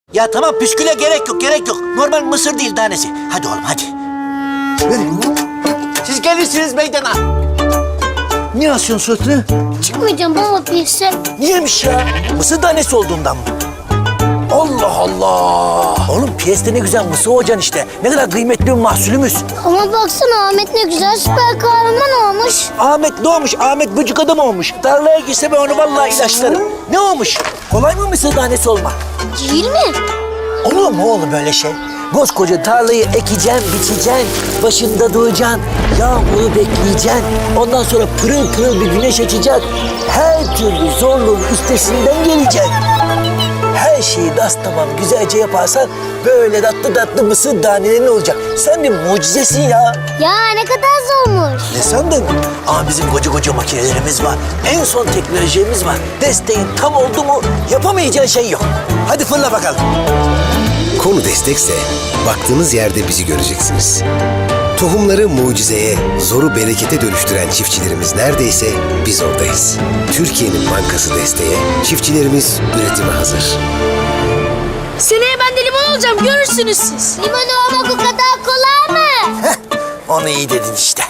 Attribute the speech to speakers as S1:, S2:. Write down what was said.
S1: Ya tamam püsküle gerek yok, gerek yok. Normal mısır değil tanesi. Hadi oğlum hadi. Siz gelirsiniz meydana. Niye asıyorsun suratını?
S2: Çıkmayacağım baba piyese.
S1: Niyemiş ya? Mısır tanesi olduğundan mı? Allah Allah! Oğlum piyeste ne güzel mısır hocan işte. Ne kadar kıymetli bir mahsulümüz.
S2: Ama baksana Ahmet ne güzel süper kahraman olmuş.
S1: Ahmet ne olmuş? Ahmet bıcık adam olmuş. Tarlaya girse ben onu vallahi ilaçlarım. Ne olmuş? Kolay mı mısır tanesi olmak?
S2: Değil mi?
S1: Olur mu oğlum böyle şey? Koskoca tarlayı ekeceksin, biçeceksin, başında duracaksın, yağmuru bekleyeceksin. Ondan sonra pırıl pırıl bir güneş açacak. Her türlü zorluğun üstesinden geleceksin. Her şeyi tamam güzelce yaparsan böyle tatlı tatlı mısır tanelerin olacak. Sen bir mucizesin ya.
S2: Ya ne kadar zormuş.
S1: Ne sandın? Ama bizim koca makinelerimiz var. En son teknolojimiz var. Desteğin tam oldu mu yapamayacağın şey yok. Hadi fırla bakalım.
S3: Konu destekse baktığınız yerde bizi göreceksiniz. Tohumları mucizeye, zoru berekete dönüştüren çiftçilerimiz neredeyse biz oradayız. Türkiye'nin bankası desteğe, çiftçilerimiz üretime hazır.
S4: Seneye ben de limon olacağım, görürsünüz siz.
S2: Limon olmak o kadar kolay mı?
S1: Heh, onu iyi dedin işte.